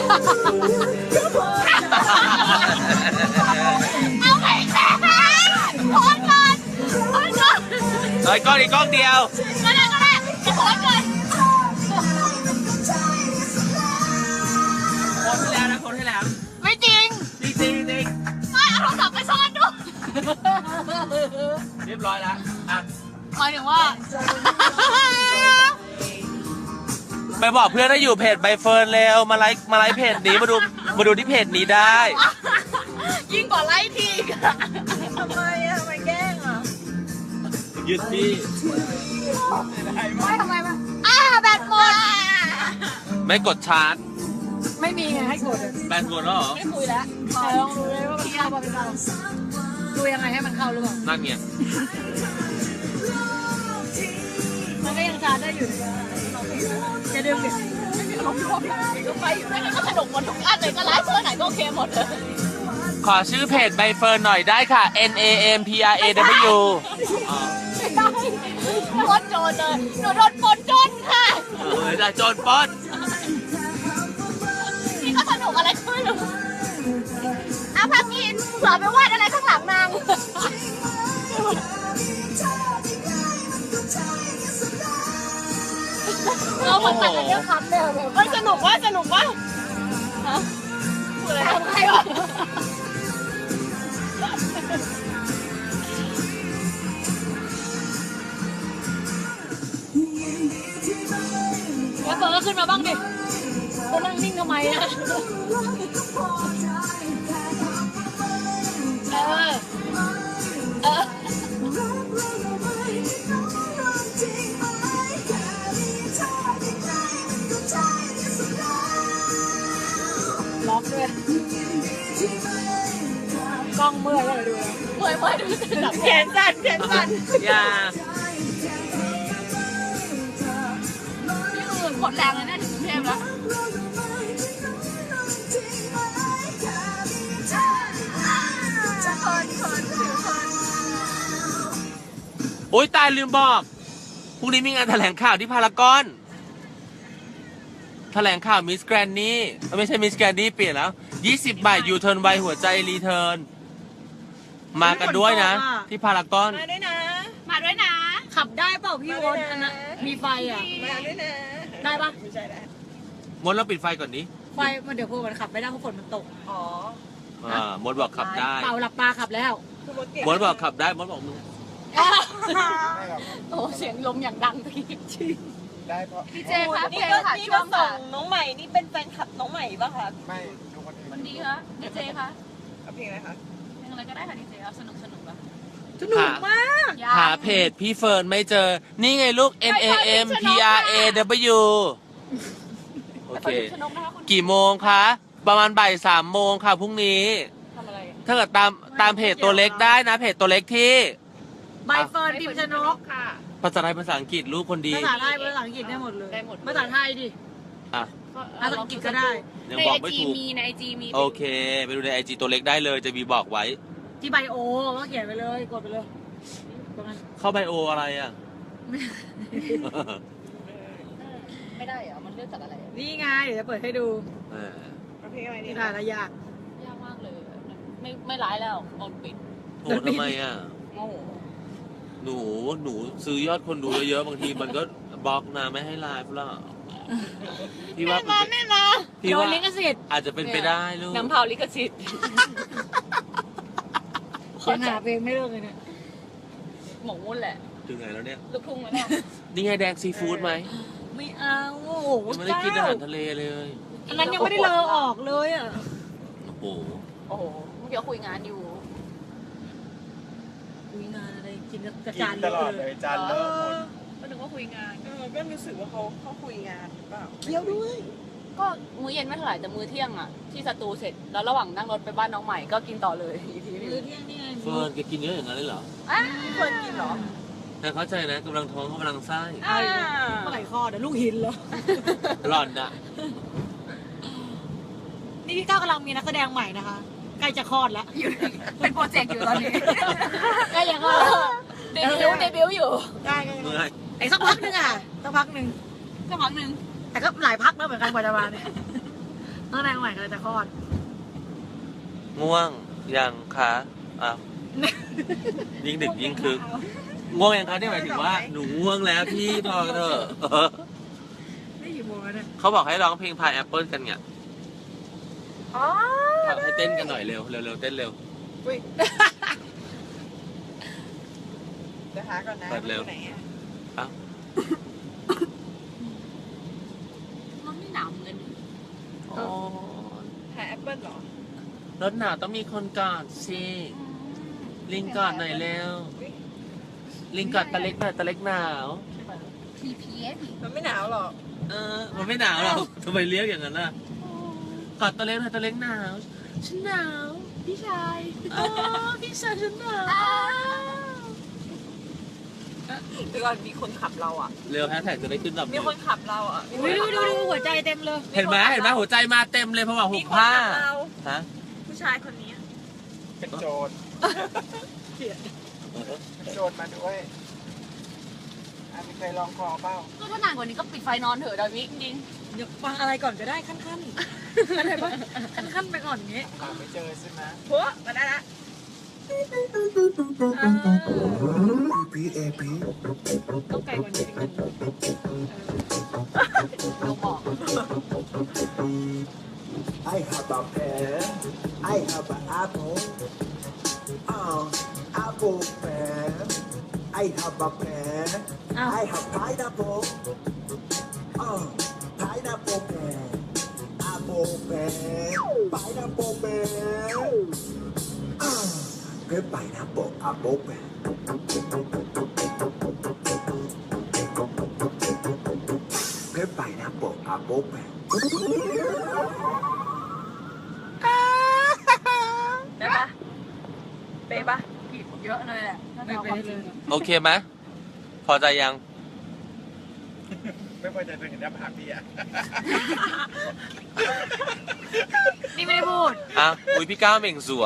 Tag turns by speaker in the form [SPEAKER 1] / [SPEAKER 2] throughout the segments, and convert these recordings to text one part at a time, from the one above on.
[SPEAKER 1] เอาไปแค่โพสก่อนโพสก่อน
[SPEAKER 2] เฮ้ยกล้องอีกกล้องเดียว
[SPEAKER 1] ก็ได้จะโพสก่อน
[SPEAKER 2] คนที่แล้วนะคนที่แล้ว
[SPEAKER 1] ไม่จริง
[SPEAKER 2] จริงจริงจริง
[SPEAKER 1] ไม่เอาโทรศัพท์ไปซ่อนดู
[SPEAKER 2] เรียบร้อยแล้วอ่ะ
[SPEAKER 1] หมายถึงว่า
[SPEAKER 2] ไปบอกเพื่อนให้อยู่เพจใบเฟิร์นเร็วมาไลค์เพจนี้มาดูที่เพจนี้ได้
[SPEAKER 1] ยิ่งกว่าไล่ทีอีกอะ
[SPEAKER 3] ทำไมแกล้งอ่ะ
[SPEAKER 2] ยึดพี่
[SPEAKER 1] ไม่ทำไมมาแบตหมด
[SPEAKER 2] ไม่กดชาร์จ
[SPEAKER 3] ไม่มีไงให้กด
[SPEAKER 2] แบนหมดแล้วเหรอ
[SPEAKER 1] ไม่คุยแล้ว
[SPEAKER 3] แต่ลองดูเลยว่ามันเข้ามาเป็นเราดูยังไงให้มันเข้าหรือเปล่า
[SPEAKER 2] นั่นไง
[SPEAKER 3] มันก็ยังชาร์จได้อยู่จะดึงดิ
[SPEAKER 1] ก็ไปอยู่นั่นก็สนุกหมดทุกอันเลยก็ไลฟ์เพื่อไหนก็โอเคหมดเลย
[SPEAKER 2] ขอชื่อเพจใบเฟิร์นหน่อยได้ค่ะ NAMPRAW
[SPEAKER 1] โคตรโจรเลยหนูโดนปนจนค่ะ
[SPEAKER 2] จะโจรป๊อด
[SPEAKER 1] นี่ก็สนุกอะไรก็ไม่รู้เอาพักกินเผื่อไปวาดอะไรข้างหลังนางเราเหมือนแต่กันเรื่องคำเลยมันสนุกว่าฮะพูดอะไรทำใครวะ
[SPEAKER 3] แล้วเฟิร์นก็ขึ้นมาบ้างดิก็นั่งนิ่งทำไมอ่ะ
[SPEAKER 1] เออ
[SPEAKER 3] ล็อกด้วยกล้องเมื่อยก็เลยดูแล้ว
[SPEAKER 1] เมื่อยดูจะดับแขนสั่น
[SPEAKER 2] อย่า
[SPEAKER 1] นี่คือหมดแรงเลยนะถึงกรุงเทพแล้ว
[SPEAKER 2] โอ๊ยตายลืมบอกพรุ่งนี้มีงานแถลงข่าวที่พารากอนแถลงข่าวมิสแกรนนี่ไม่ใช่มิสแกรนนี่เปลี่ยนแล้ว20 บาทยูเทิร์นไวหัวใจรีเทิร์นมากันด้วยนะ ที่พารากอน
[SPEAKER 3] มาด้วยนะ
[SPEAKER 1] มาด้วยนะ
[SPEAKER 3] ขับได้เปล่าพี่โอ๊ตอันนั้นมีไฟอ่ะ
[SPEAKER 4] มาด้วยนะ
[SPEAKER 3] ได้ปะ
[SPEAKER 4] ไม่ใช่แล้ว
[SPEAKER 2] มดเราปิดไฟก่อนนี้
[SPEAKER 3] ไฟมันเดี๋ยวพวกมันขับไม่ได้เพราะฝนมันตก
[SPEAKER 4] อ๋อ
[SPEAKER 2] มดบอกขับได้
[SPEAKER 3] เปล่าหลับตาขับแล้ว
[SPEAKER 4] คือมดเก่ง
[SPEAKER 2] มดบอกขับได้มดบอกมึง
[SPEAKER 1] โอ้เสียงลมอย่างดังตะกี้
[SPEAKER 5] ได้เพราะ
[SPEAKER 1] ดีเจคะเพ
[SPEAKER 4] นี่
[SPEAKER 1] ลง
[SPEAKER 4] ก็
[SPEAKER 1] ค่ะ
[SPEAKER 4] นี่
[SPEAKER 1] ช่
[SPEAKER 4] ก็
[SPEAKER 1] วง
[SPEAKER 4] ส่
[SPEAKER 1] ค่ะ
[SPEAKER 4] งน้องใหม่ นี่เป็นแฟนคลับน้องใหม่ป่ะคะ
[SPEAKER 5] ไม่ดูคนอื่น
[SPEAKER 1] วันดีคะดีเจคะ
[SPEAKER 4] เอาเพลงอะไรคะ
[SPEAKER 1] เพลงอะไรก็ได้ค่ะดีเจเอาสนุกอะ
[SPEAKER 3] สนุกมาก
[SPEAKER 2] หาเพจพี่เฟิร์นไม่เจอ นี่ไงลูก NAMPRAW โอเค
[SPEAKER 1] สนุกนะคะคุณ
[SPEAKER 2] กี่โมงคะ ประมาณบ่าย3 โมงค่ะพรุ่งนี้
[SPEAKER 1] ทำอะไร
[SPEAKER 2] ถ้าเกิดตามเพจตัวเล็กได้นะ เพจตัวเล็กที่
[SPEAKER 3] ใบเฟิร์นพิมพ์ชนก
[SPEAKER 1] ค่ะ
[SPEAKER 2] ภาษาไทยภาษาอังกฤษลูกคนดี
[SPEAKER 3] ภาษาไทยภาษาอังกฤษได้หมดเลย
[SPEAKER 1] ได้หมด
[SPEAKER 3] ภาษาไทยดิ
[SPEAKER 2] อ่ะ
[SPEAKER 3] ภาษาอังกฤษก็ได้
[SPEAKER 2] ยัง
[SPEAKER 1] ใน
[SPEAKER 2] บอ
[SPEAKER 1] ไอก
[SPEAKER 2] ไม่
[SPEAKER 1] จี
[SPEAKER 2] ถูก
[SPEAKER 1] มีในไอจีมี
[SPEAKER 2] โอเค ไปดูในไอจีตัวเล็กได้เลยจะมีบอกไว้
[SPEAKER 3] ที่ไบโอก็เขียนไปเลยกดไปเลยตรงนั้น
[SPEAKER 2] เข้าไบโออะไรอ่ะ
[SPEAKER 1] ไม่ได้เหรอมันเลือกจากอะไร
[SPEAKER 3] นี่ไงเดี๋ยวจะเปิดให้ดู
[SPEAKER 4] เอาเพลงอะไร
[SPEAKER 3] นี่
[SPEAKER 4] นี่
[SPEAKER 3] ถ่ายระยะ
[SPEAKER 1] ยากมากเลยไม่ร้ายแล้วโดนปิด
[SPEAKER 2] โอ้ทำไมอ่ะ
[SPEAKER 1] โอ้โห
[SPEAKER 2] หนูซื้อยอดคนดูเยอะๆบางทีมันก็บล็อกนะไม่ให้ไลฟ์แล้วพี่ว่า
[SPEAKER 1] ไม่มา
[SPEAKER 2] พี่
[SPEAKER 3] โด
[SPEAKER 2] ว่าน
[SPEAKER 3] ลิขสิทธิ์
[SPEAKER 2] อาจจะเป็นไปได้ลูก
[SPEAKER 1] น้ำเผาลิขสิทธิ์
[SPEAKER 3] ยังหาเพลงไม่เลิกเลยเนี่ย
[SPEAKER 1] หมกมุ่นแหละ
[SPEAKER 2] ถึงไหนแล้วเนี่ย
[SPEAKER 1] ลูกทุ่งแล้วเนี่ย
[SPEAKER 2] นี่ไงแดงซีฟู้ดไหม
[SPEAKER 3] ไม่เอาโอ้โห
[SPEAKER 2] ยังไม่ได้กินอาหารทะเลเลย
[SPEAKER 3] อันนั้นยังไม่ได้เลอออกเลยอ่ะ
[SPEAKER 2] โอ้โห
[SPEAKER 1] โอ้โหเมื่อกี้คุยงานอยู่
[SPEAKER 3] คุยงานอะไรกินกระ
[SPEAKER 5] กิ
[SPEAKER 3] จาน
[SPEAKER 5] นตลอดเลยจานเลอะหมด
[SPEAKER 1] ก็นึกว่าคุยงาน
[SPEAKER 4] ก็รู้สึกว่าเขาคุยงานหรือเปล่า
[SPEAKER 3] เที่ยวด้วย
[SPEAKER 1] ก็มื้อเย็นไม่เท่าไหร่แต่มื้อเที่ยงอ่ะที่สตูเสร็จแล้วระหว่างนั่งรถไปบ้านน้องใหม่ก็กินต่อเลยอีกทีนึ
[SPEAKER 3] มื้อง เที่ยงนี่ไง
[SPEAKER 2] เฟิร์นแกกินเยอะอย่างนั้นเลยเหรอ
[SPEAKER 1] อ่ะ
[SPEAKER 4] เฟิร์นกินเหรอ
[SPEAKER 2] แต่เข้าใจนะกำลังท้องกำลังไส้
[SPEAKER 4] อ่า
[SPEAKER 3] เมื่อไหร่คลอดเดี๋ยวลูกหินเหรอ
[SPEAKER 2] หล่อนอะ
[SPEAKER 3] นี่พี่ก้าวกำลังมีนักแสดงใหม่นะคะ ใกล้จะคลอดแล้ว
[SPEAKER 1] เป็นโปรเจกต์อยู่ตอนนี้
[SPEAKER 3] ใกล้จะคลอดแล้ว
[SPEAKER 1] เดบิวต์อยู่
[SPEAKER 3] ได้ก็
[SPEAKER 2] เมื่อย
[SPEAKER 3] ไอ้สักพักหนึงอ่ะสักพักหนึ่ง
[SPEAKER 1] สักพักหนึ่ง
[SPEAKER 3] แต่ก็หลายพักแล้วเหมือนกันกว่าจะมาเนี่ยตั้งแต่ใหม่ก็เลยจะคลอด
[SPEAKER 2] ง่วงยังคะอ่ะยิ่งดึกยิ่งคึกง่วงยังคะเนี่ยหมายถึงว่าหนูง่วงแล้วพี่พอเถอะ
[SPEAKER 3] ไม่กี่โมงแล้วเนี่ย
[SPEAKER 2] เขาบอกให้ร้องเพลงพายแอปเปิลกันไง
[SPEAKER 4] อ๋อ
[SPEAKER 2] ให้เต้นกันหน่อยเร็วเร็วเต้นเร็ว
[SPEAKER 4] อุ้ยเดี๋ยวหาก่อนนะ
[SPEAKER 2] เปิดเร็ว
[SPEAKER 4] ไหนอะ
[SPEAKER 3] มันไม่หนาวเงิน
[SPEAKER 2] อ๋อ
[SPEAKER 4] หาแอปเปิ้ลเหรอ
[SPEAKER 2] รถหนาวต้องมีคนกอดสิลิงกอดหน่อยเร็ว
[SPEAKER 4] อุ๊ย
[SPEAKER 2] ลิงกอดตะเล็กหน่อยตะเล็กหนาว
[SPEAKER 3] TPS
[SPEAKER 4] มันไม่หนาวหรอก
[SPEAKER 2] มันไม่หนาวหรอกทำไมเรียกอย่างนั้นล่ะกอดตะเล็กหน่อยตะเล็กหนาวฉันหนาว
[SPEAKER 3] พี่ชาย
[SPEAKER 2] พี่ชายฉันหนาว
[SPEAKER 4] เดี๋ยวก่อนมีคนขับเราอ่ะ
[SPEAKER 2] เร็วแฮชแท็กจะได้ขึ้นดับ
[SPEAKER 4] มีคนขับเราอ่ะมีคน
[SPEAKER 3] ดู
[SPEAKER 4] ขับ
[SPEAKER 3] ดู
[SPEAKER 4] เรา
[SPEAKER 3] ดูหัวใจเต็มเลย
[SPEAKER 2] เห็นไหมหัวใจมาเต็มเลยเพราะว่าหุ
[SPEAKER 4] มี
[SPEAKER 2] บ
[SPEAKER 4] คน
[SPEAKER 2] ผ้า
[SPEAKER 4] ขับเรา
[SPEAKER 2] ฮะ
[SPEAKER 4] ผู้ชายคนนี้
[SPEAKER 5] เป็นโจรเป็นโจรมาด้วยมีใครลองคอเปล่า
[SPEAKER 1] ก็ถ้านานกว่านี้ก็ปิดไฟนอนเถอะดาวิจริง
[SPEAKER 3] เดี๋ยวฟังอะไรก่อนก็ได้ขั้นๆอะไรปะขั้นๆไปก่อนอย่างงี้
[SPEAKER 5] หาไม่เจอใช่ไหม
[SPEAKER 4] หัวมาได้ละ
[SPEAKER 5] พีเอพี
[SPEAKER 3] ต้องไกลกว่านี้นิดนึง
[SPEAKER 1] ๆเราบอก
[SPEAKER 6] I have a pen. I have an apple. Apple pen. I have a pen. I have pineapple. Pineapple pen. Apple pen. Pineapple pen. Cái pineapple apple pen. Cái pineapple apple pen.
[SPEAKER 4] ได้ปะเป๊ะปะ
[SPEAKER 1] ผิดเยอะเลยแหละถ้า
[SPEAKER 3] ไม่
[SPEAKER 1] จะเอา
[SPEAKER 3] ไป
[SPEAKER 1] ความจ
[SPEAKER 3] เล
[SPEAKER 1] ริง
[SPEAKER 3] ย
[SPEAKER 2] โอเคไหมพอใจยัง
[SPEAKER 5] ไม่พอใจตัวเห็นหน้าผากพี่อ่ะ
[SPEAKER 1] นี่ไม่ได้พูด
[SPEAKER 2] อ่ะอุ้ยพี่ก้าวเหม่งสวย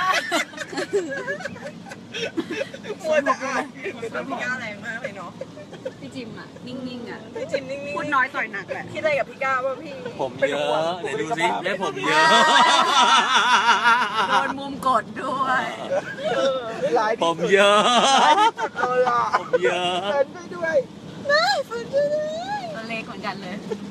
[SPEAKER 4] หัวแต่พี่ก้าวแรงมากเลยเนาะ
[SPEAKER 1] พี่จิมอ่ะ นิ่งๆอ่ะ
[SPEAKER 4] พี่จิมนิ่งๆ
[SPEAKER 1] พูดน้อยต่อยหนักแหละ
[SPEAKER 4] คิดอะไรกับพี่ก้าวว่าพี่
[SPEAKER 2] ผมเยอะไหนดูสิแม่ผมเยอะ
[SPEAKER 1] โดนมุมกดด้วย
[SPEAKER 5] หลาย
[SPEAKER 2] ผมเยอะ
[SPEAKER 5] เลยอ่ะ
[SPEAKER 2] ผมเยอะ
[SPEAKER 5] เดินไปด้วย
[SPEAKER 1] ตัวเล็กเหมือนกันเลย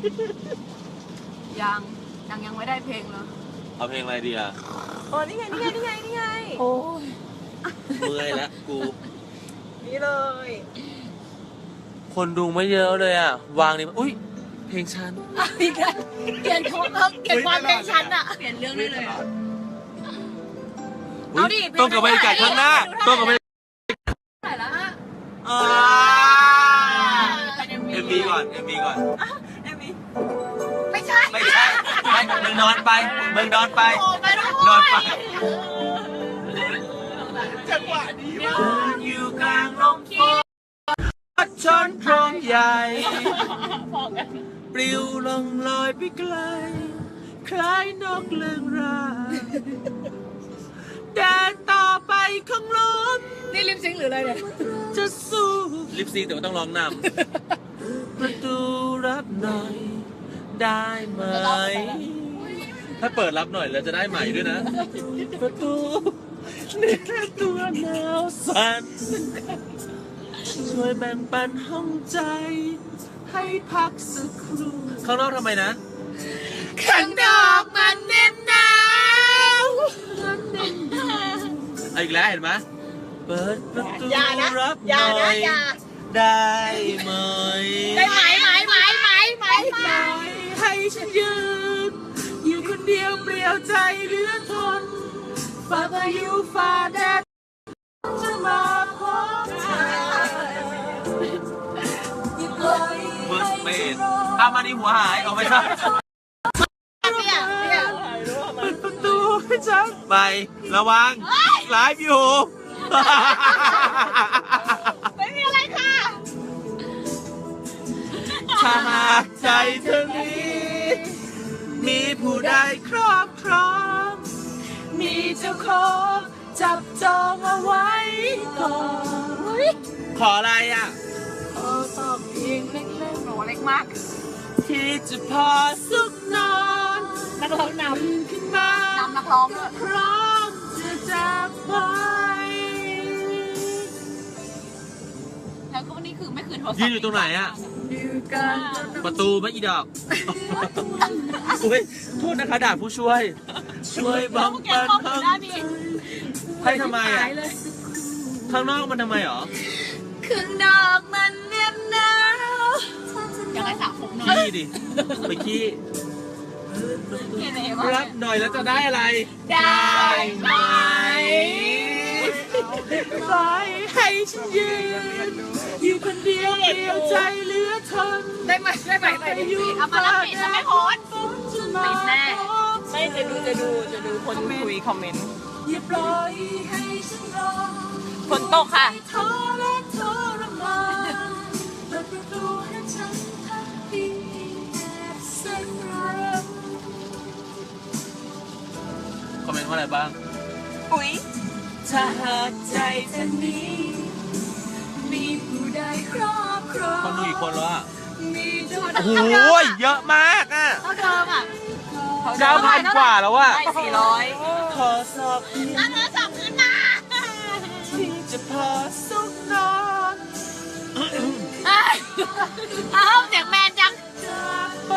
[SPEAKER 1] ยังไม่ได้เพลงเลย
[SPEAKER 2] เอาเพลงอะไรดีอ่ะ
[SPEAKER 4] อ๋อนี่ไงนี่ไงนี่ไงนี่ไง
[SPEAKER 1] โอ้ย
[SPEAKER 2] เมื่อยแล้วกู
[SPEAKER 4] นี่เลย
[SPEAKER 2] คนดูไม่เยอะเลยอ่ะ วางนี่อุ้ยเพลงฉัน
[SPEAKER 1] อีกแล้วเปลี่ยนความเพลงฉันอ่ะ เปลี่ยนเรื่องได้เลยอะ
[SPEAKER 2] อุ๊ย
[SPEAKER 1] เอาดิ
[SPEAKER 2] ต้องกับบรรยากาศข้างหน้าต้องกับบรรยากาศ
[SPEAKER 1] ไหนละฮะ
[SPEAKER 2] เอ็มบีก่อนเอ็มบีก่อน
[SPEAKER 4] เอมี่
[SPEAKER 1] ไม่ใช่
[SPEAKER 2] ไม่ใช่ไม่มึงนอนไปมึงนอนไป
[SPEAKER 1] โอ้ไปด้วย
[SPEAKER 2] นอนไป
[SPEAKER 5] จังหวะดีมาก
[SPEAKER 2] อยู่กลางลมฝนชนโครงใหญ่ ปลิวลงลอยไปไกล คล้ายนกเลื่องรายเดินต่อไปข้างลม
[SPEAKER 3] นี่ลิปซิงค์หรืออะไรเนี่ย
[SPEAKER 2] จะสู้ลิปซิงค์แต่ว่าต้องร้องนำประตูรับหน่อย ได้ไหม ถ้าเปิดรับหน่อยแล้วจะได้ใหม่ด้วยนะ ประตูนี่แค่ตัวหนาวสั่นช่วยแบ่งปันห้องใจ ให้พักสักครู่ข้างนอกทำไมนะ ข้างนอกมันเน้นหนาวเอาอีกแล้วเห็นไหมเปิดประตูรับหน่อยได้ไหม
[SPEAKER 1] ได้ไหม
[SPEAKER 2] ให้ฉันยืนอยู่คนเดียวเปลี่ยวใจเหลือทนฝ่าพายุฝ่าแดดจะมาพบเธอเบิร์สเปนเอามาดีหัวหายเอาไม่ใช่เปิดประตูให้ฉันไประวังไลฟ์อยู่
[SPEAKER 1] ไม่มีอะไรค่ะ
[SPEAKER 2] ถ้าหากใจเธอนี้มีผู้ใดครอบครอง มีเจ้าของจับจองเอาไว้ก่อนขออะไรอ่ะ
[SPEAKER 1] ขอตอบเพียงเล็กๆโหเล็กมาก
[SPEAKER 2] ที่จะพอสุขนอน
[SPEAKER 3] นักร้องนำ
[SPEAKER 2] ขึ้นมา
[SPEAKER 1] นำนักร้องด้วย
[SPEAKER 2] พร้อมจะจากไป
[SPEAKER 1] แล้วก็นี่คือไม่คืนโทรศัพท์
[SPEAKER 2] ยืนอยู่ตรงไหนอะ
[SPEAKER 3] อยู่กัน
[SPEAKER 2] ประตูไม่อีดอกอุ้ยโทษนะคะด่าผู้ช่วย ช่วยบัง
[SPEAKER 1] แก
[SPEAKER 2] ปัน
[SPEAKER 1] มอง
[SPEAKER 2] ข้าง
[SPEAKER 1] หน้าดี
[SPEAKER 2] ให้ทำไมอะ
[SPEAKER 3] หายเลย
[SPEAKER 2] ข้างนอกมันทำไมหรอ
[SPEAKER 1] คืนดอกมันเนียบหนาวอยากให้สระผมหน่อย
[SPEAKER 2] ขี้ดิ ไปขี้
[SPEAKER 1] เห็นไหมว่า
[SPEAKER 2] รับหน่อยแล้วจะได้อะไร
[SPEAKER 1] ได้ไหม
[SPEAKER 2] ปล่อยให้ฉันยืนอยู่คนเดียวเดียวใจเหลือทน
[SPEAKER 3] ได้ไหมได้ดิ
[SPEAKER 1] เอามาแล้วปิดจะไม่โพสต์ปิดแน่
[SPEAKER 4] ไม่จะดูคนคุยคอมเมนต์
[SPEAKER 2] อย่าปล่อยให้ฉันรอ
[SPEAKER 4] ฝนตกค่ะ
[SPEAKER 2] ท้อและทรมานเปิดประตูให้ฉันทักทีแอบสักครั้งคอมเมนต์ว่าอะไรบ้าง
[SPEAKER 4] ปุ๋ย
[SPEAKER 2] ถ้าหากใจเธอนี้มีผู้ใดครอบครองคนดูกี่คนแล้วอ่ะ
[SPEAKER 3] มีจุด
[SPEAKER 2] โอ้โหเยอะมากอ่ะ
[SPEAKER 1] เท่าเดิมอ่ะ
[SPEAKER 2] 9,000 กว่าแล้วอ่ะ
[SPEAKER 4] ได้400
[SPEAKER 2] ขอสอบ
[SPEAKER 1] อันโทรศัพท์ขึ้นมา
[SPEAKER 2] ที่จะพอสุขนอน
[SPEAKER 1] อ้าวเสียงแมนจัง
[SPEAKER 2] จากไป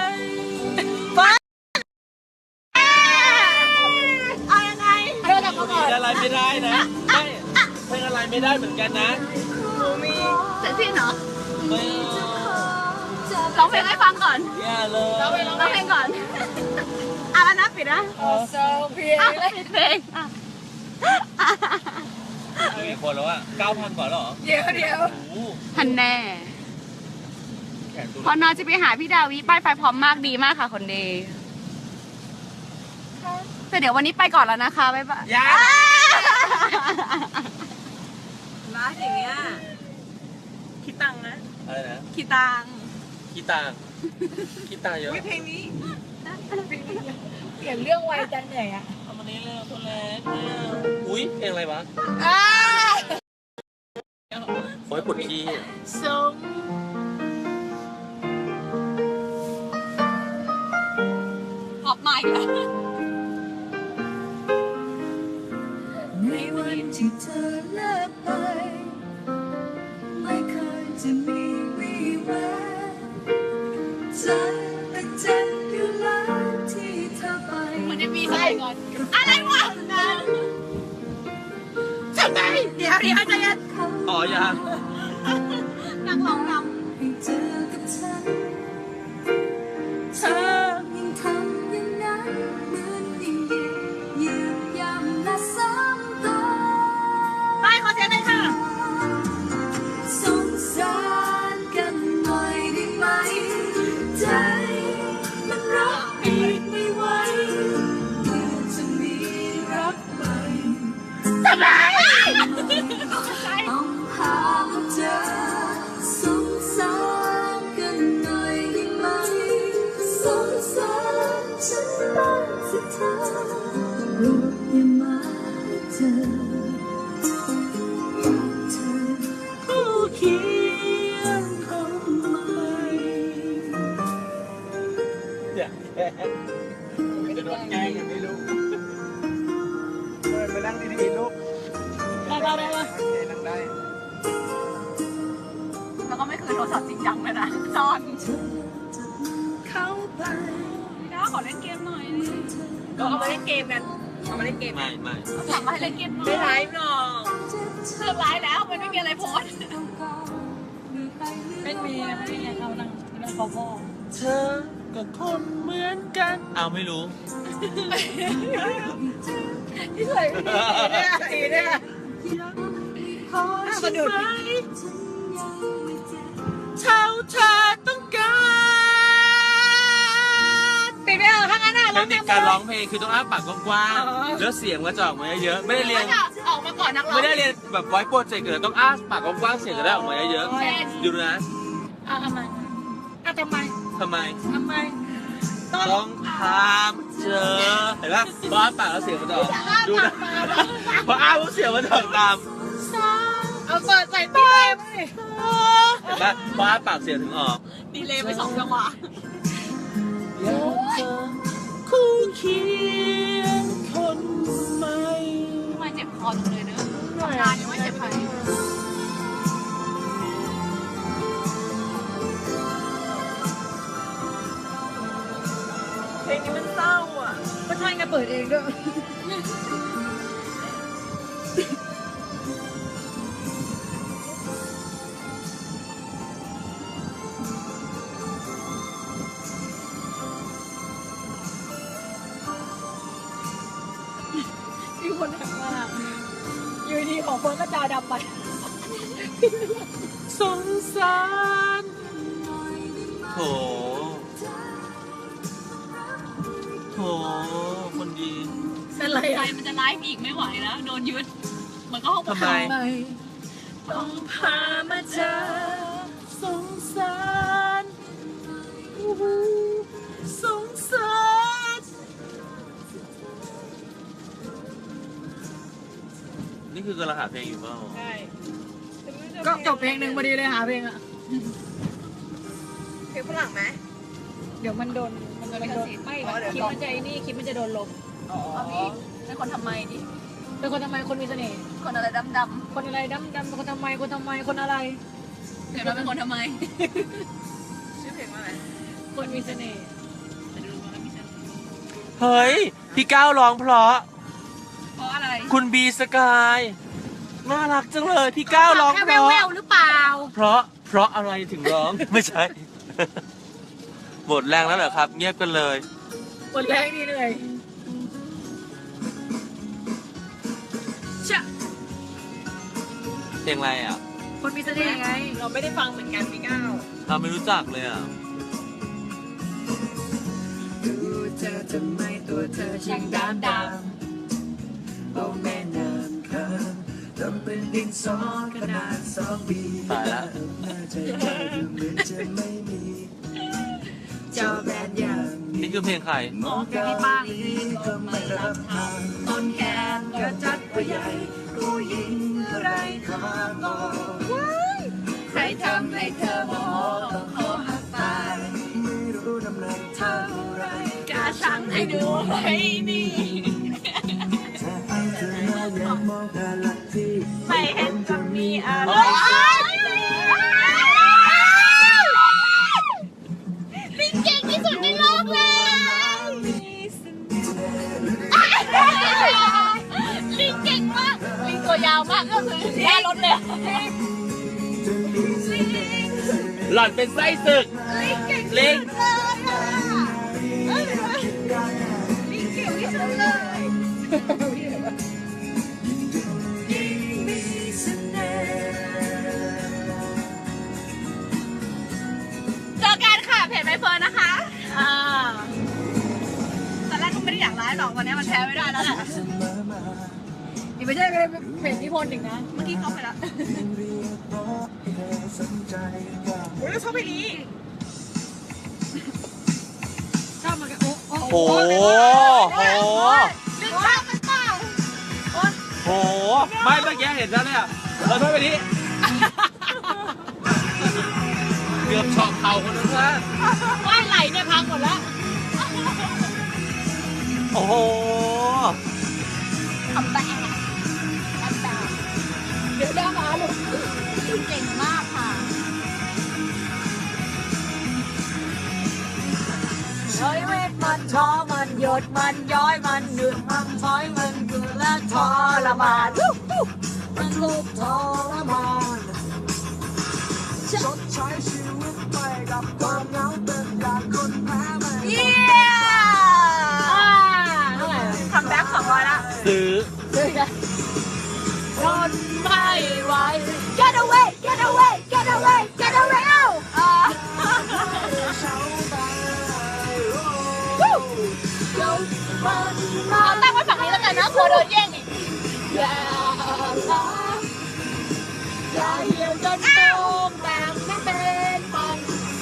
[SPEAKER 1] เอายังไงเรื่องกับก่อน
[SPEAKER 2] เพลงอะไรไม่ได้นะไม่เพลงอะไรไม่ได้เหมือนกันนะ
[SPEAKER 1] เสร็จสิ้นเหรอ
[SPEAKER 2] ไม่
[SPEAKER 1] ร้องเพลงให้ฟังก่อน
[SPEAKER 2] อย่าเลย
[SPEAKER 1] ร้องเพลงก่อนอ่ะแล้วนะปิดนะ
[SPEAKER 3] โซเพีย
[SPEAKER 1] อ่ะปิดเพลงอ่ะ
[SPEAKER 2] กี่คนแล้วอ่ะ 9,000 กว่าแล้วเหรอ
[SPEAKER 3] เดี๋ยว
[SPEAKER 2] โอ้โห
[SPEAKER 1] ทันแน่
[SPEAKER 2] แขนตัว
[SPEAKER 1] พอนอจะไปหาพี่ดาวิป้ายไฟพร้อมมากดีมากค่ะคนดีแต่เดี๋ยววันนี้ไปก่อนแล้วนะคะบ๊ายบาย
[SPEAKER 2] ยัง
[SPEAKER 4] ร้านอย่างเงี้ยคิดตังค์นะ
[SPEAKER 2] อะไรนะ
[SPEAKER 1] ขี้ตัง
[SPEAKER 2] ขี้ตางขี้ตางเยอะ
[SPEAKER 4] วิเพลงนี้
[SPEAKER 3] เปลี่ยนเรื่องไวจังเหนื่อยอ่ะ
[SPEAKER 2] เอามานี้เร็วตัวเล็กอุ้ยเพลงอะไรวะ
[SPEAKER 1] อ้า
[SPEAKER 2] โอ้ยปวดขี้
[SPEAKER 1] สม ออกใหม่แล้ว
[SPEAKER 3] ในวันที่เธอเลิกไปไม่เคยจะมีวี่แววใจแต่เจ็บอยู่แล้วที่เธอไป
[SPEAKER 1] มันจะมีใส่ก่อน อะไรวะทำไมเดี๋ยวใจเย็น
[SPEAKER 2] อ๋อยัง
[SPEAKER 1] นักร้องน
[SPEAKER 3] ให้เจอกับฉัน
[SPEAKER 2] เธอ
[SPEAKER 3] ยิ่งทำอย่างนั้นเหมือนยิ่งยืนย้ำและซ้ำเติม
[SPEAKER 1] ำไปขอเสียงหน่อยค่ะ
[SPEAKER 3] สงสารกันหน่อยได้ไหมใจมันรับไม่ไหวเมื่อจะมีรักใหม่
[SPEAKER 1] ทำไม
[SPEAKER 3] ต้องหาเจอสงสารกันหน่อยได้ไหมสงสารฉันบ้างสิเธอโปรดอย่ามาเจอเธอผู้เคียงคนใหม่
[SPEAKER 5] เนี่ยจะโดนแกล้งอย่างไม่รู้ไปนั่งดีๆลูก
[SPEAKER 1] ได้
[SPEAKER 5] โอเคนั่งได้
[SPEAKER 1] แล้วก็ไม่คืนโทรศัพท์จริงจังเลยนะซ่อน
[SPEAKER 3] เข้าไป
[SPEAKER 1] น้าขอเล่นเกมหน่อย
[SPEAKER 4] ก็เอามาเล่นเกมกัน เอามาเล่นเกม
[SPEAKER 2] ไม่ไม่
[SPEAKER 1] ถามมาให้เล่นเกมหน่อย
[SPEAKER 4] ไม่ไลฟ์หรอก
[SPEAKER 1] เลิกไลฟ์แล้วมันไม่มีอะไรโพสต์
[SPEAKER 3] ไม่มีนะไม่มีเอานั่งเขาบอก
[SPEAKER 2] เธอก็คนเหมือนกันอ้าวไม่รู้
[SPEAKER 3] ที่ใส่ไม่ดีเนี่ยสีเนี่ย
[SPEAKER 2] ขอฉันไหมเท่าเธอต้องการ
[SPEAKER 3] ปิดไม่เอาทั้งนั้นอ่ะ
[SPEAKER 2] เทคนิคการร้องเพลงคือต้องอ้าปากกว้างๆแล้วเสียงมันจะออกมาเยอะๆไม่ได้เรียน
[SPEAKER 1] จะออกมาก่อนนักร้อง
[SPEAKER 2] ไม่ได้เรียนแบบไวโปรเจกต์เลยต้องอ้าปากกว้างๆเสียงจะได้ออกมาเยอะๆดูนะ
[SPEAKER 3] เอาทำไมเอาทำไม
[SPEAKER 2] ทำไม
[SPEAKER 3] ทำไม
[SPEAKER 2] ต้องถามเจอเห็นปะพออ้าปากแล้วเสียงมันจะออกดูนะพออ้าปุ๊บเสียงมันจะออกตาม
[SPEAKER 3] เอาเปิดใส่ตีเต็มเลย
[SPEAKER 2] เห็นปะพออ้าปากเสียงถึงออก
[SPEAKER 1] ดีเลยไป2 จังหวะ
[SPEAKER 2] อยากเจอคู่เคียงคนใหม่
[SPEAKER 1] มาเจ็บคอจังเลยเนอะทำงานยังไม่เจ็บคอ
[SPEAKER 4] เพลงนี้มันเศร้าอ่ะ
[SPEAKER 3] ก็ใช่ไงเปิดเองด้วย มีคนทักมาอยู่ดีของคนก็จาดำไป
[SPEAKER 2] สงสารโถโถคนดี
[SPEAKER 3] เป็นไร
[SPEAKER 1] ใจ
[SPEAKER 3] อ่ะ
[SPEAKER 1] มันจะไลฟ์อีกไม่ไหวแล้ว โดนยึดมันก็ห้อง
[SPEAKER 2] ทำไม
[SPEAKER 3] ต้องพามาเจอ
[SPEAKER 2] สงสารสงสารนี่คือกำลังหาเพลงอยู่เปล่า
[SPEAKER 4] ใช่
[SPEAKER 3] ก็จบเพลงหนึ่งพอดีเลยหาเพลงอ่ะ
[SPEAKER 4] เพลงฝรั่งไหม
[SPEAKER 3] เดี๋ยวมันโดนไม่
[SPEAKER 4] อ๋อเดี๋ยว
[SPEAKER 3] คลิปมันจะไอ้นี่คลิปมันจะโดนลบ
[SPEAKER 4] อ๋อ
[SPEAKER 1] เอาพี่เป็นคนทำไมดิ
[SPEAKER 3] เป็นคนทำไมคนมีเสน่ห์
[SPEAKER 1] คนอะไรดำ
[SPEAKER 3] คนอะไรดำเป็นคนทำไมคนอะไร
[SPEAKER 1] ๆเดี๋ยวเราเป็นคนทำไม
[SPEAKER 4] ชื่อเพลงว่าอะไร
[SPEAKER 3] คนมีเสน่ห์
[SPEAKER 1] จะดูมันไม่ใช่
[SPEAKER 2] เฮ้ย พี่ก้าวร้องเพราะ
[SPEAKER 1] เพราะอะไร
[SPEAKER 2] คุณบีสกายน่ารักจังเลย พี่ก้าวร้อง
[SPEAKER 3] แค่
[SPEAKER 2] เพราะ
[SPEAKER 3] แววๆหรือเปล่า
[SPEAKER 2] เพราะอะไรถึงร้อง ไม่ใช่ หมดแรงแล้วเหรอครับ เงียบกันเลย
[SPEAKER 3] หมดแรงดีเหนื่อยชะ
[SPEAKER 2] เพลงอะไรอ่ะ
[SPEAKER 3] คนมีเสน่ห์ไง
[SPEAKER 4] เราไม่ได้ฟังเหมือนกันพี่ก้าว
[SPEAKER 2] เราไม่รู้จักเลยอ่ะ
[SPEAKER 3] ดูเธอทำไมตัวเธอช่างดำโอ้แม่น้ำคำทำเป็นดินสอขนาด2 ปี
[SPEAKER 2] ตายละ
[SPEAKER 3] น่าจะยากดูเหมือนจะไม่มีเจ้าแบนอย่าง
[SPEAKER 2] นี่คือเพลงใคร
[SPEAKER 3] มองแค่ป้างก็ไม่รับทำต้นแขนกระจัดกระใหญ่ผู้หญิงไรค่ามองใครทำให้เธอโมโหต้องขอหักตายไม่รู้น้ำหนักเท่าไรกล้าชั่งให้ดูให้นี่
[SPEAKER 1] ไม่เห็นจะมีอะไรลิงเก่งที่สุดในโลกเลยลิงเก่งมากลิงตัวยาวมากก็คือแย่รถเลย
[SPEAKER 2] หล่อนเป็นไส้ศึกลิง
[SPEAKER 1] ลิงเก่งที่สุดเลย เจอกันค่ะเพจใบเฟิร์นนะคะตอนแรกก็ไม่ได้อยากไลฟ์หรอกวันนี้มันแพ้ไม่ได้แล้วแหละ
[SPEAKER 3] นี่ไม่ใช่เพจนิพนธ์อีกนะ
[SPEAKER 1] เมื่อกี้เข้าไปแล้ว
[SPEAKER 4] โอ้ยเราชอบเพลงนี้
[SPEAKER 3] ชอบมันกันโอ้
[SPEAKER 2] โอ้โหโห
[SPEAKER 1] ลิงชอบมันเปล่า
[SPEAKER 2] โห ไม่เมื่อกี้เห็นแล้วเนี่ยเราโทษไปนี้ เกือบช็อกเข่าคนนึงนะ
[SPEAKER 3] ว่ายไหลเนี่ยพังหมดแล้ว
[SPEAKER 2] โอ้โห
[SPEAKER 1] ทำแบบ
[SPEAKER 3] เดี๋ยวได้มาลูก
[SPEAKER 1] เก่งมากค่ะ
[SPEAKER 3] เฮ้ยเวทมันท้อมันหยดมันย้อยมันหนึบมันช้อยมันคือและทรมานมันทุกข์ทรมาน
[SPEAKER 6] ชดใช้ชีวิตไปกับความเหงาเป็นอย่างคนแพ้ไม่
[SPEAKER 1] เยี่ย
[SPEAKER 3] เท่าไหร่
[SPEAKER 1] คัมแบ็ก200ละ
[SPEAKER 2] ซื้อ
[SPEAKER 3] ทนไม่ไหว Get away Get away Get away Get away
[SPEAKER 1] เอาตั้งไว้ฝั่งนี้แล้วกันนะกลัวโดนแย่งอีก
[SPEAKER 3] อย่าล้าอย่าเหี่ยวจนโตมแต่ไม่เป็นมัน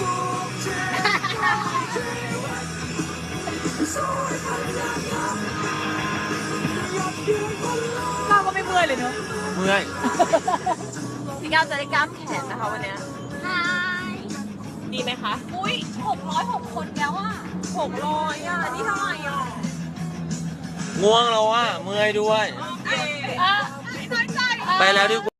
[SPEAKER 3] เราก็ไม่เมื่อยเลยเนอะ
[SPEAKER 2] เมื่อย
[SPEAKER 1] พี่ก้าวจะได้กล้ามแขนนะคะวันเนี้ย
[SPEAKER 4] ดี
[SPEAKER 1] ไหมคะ
[SPEAKER 4] อุ้ย606 คนแล้วอ่ะ
[SPEAKER 1] 600อ่ะนี่เท่าไหร่อ่ะ
[SPEAKER 2] ง่วงแล้วอ่ะเมื่อยด้วย
[SPEAKER 4] โอเค
[SPEAKER 1] อ่ะ
[SPEAKER 4] น้อยใจ
[SPEAKER 2] ไปแล้วดีกว่า